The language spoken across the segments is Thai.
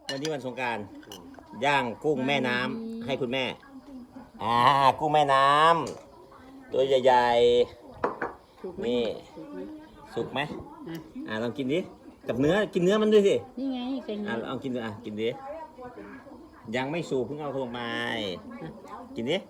วันนี้วันสงกรานต์ย่างกุ้งแม่น้ำให้คุณแม่กุ้งแม่น้ำตัวใหญ่ๆนี่สุกไหมลองกินดิกับเนื้อกินเนื้อมันด้วยสินี่ไงเป็นลองกินดูกินดิยังไม่สุกเพิ่งเอาลงมากินดิ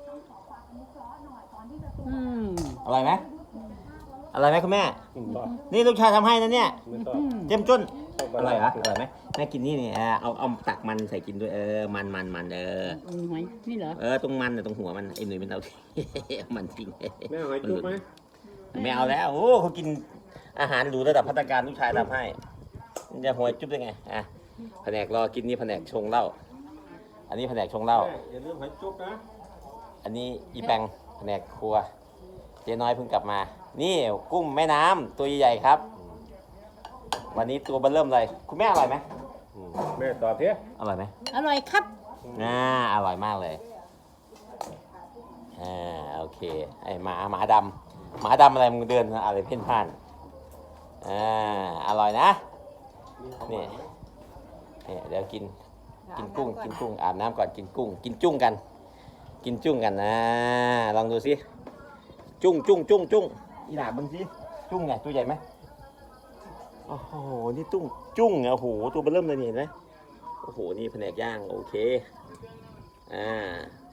อร่อยไหมอร่อยไหมคุณแม่นี่ลูกชายทำให้นะเนี่ยเจ้มจ้นอร่อยเหรออร่อยไหมแม่กินนี่เอาตักมันใส่กินด้วยมันหอยนี่เหรอตรงมันตรงหัวมันไอ้หนุ่ยมันเอามันทิ้งแม่หอยจุ๊บไหมไม่เอาแล้วโอ้เขากินอาหารหรูระดับภัตตาคารลูกชายทำให้จะหวยจุ๊บได้ไงแผนกรอกินนี่แผนกชงเหล้าอันนี้แผนกชงเหล้าอย่าลืมหอยจุ๊บนะอันนี้อีแปงแผนกครัวเจ๊น้อยเพิ่งกลับมานี่กุ้งแม่น้ำตัวใหญ่ๆครับวันนี้ตัวเบิ่มเลยคุณแม่อร่อยไหมแม่ตอบเพี้ยอร่อยไหมอร่อยครับอร่อยมากเลยโอเคไอหมาดำอะไรมึงเดินอะไรเพ่นพ่านอร่อยนะนี่เดี๋ยวกินกุ้งอาบน้ำก่อนกินกุ้งกินจุ้งกันนะลองดูสิจุ้งอีหล่าบึงสิจุ้งไงตัวใหญ่ไหมโอ้โหนี่จุ้งโอ้โหตัวเบิ่มเลยเห็นไหมโอ้โหนี่แผนกย่างโอเค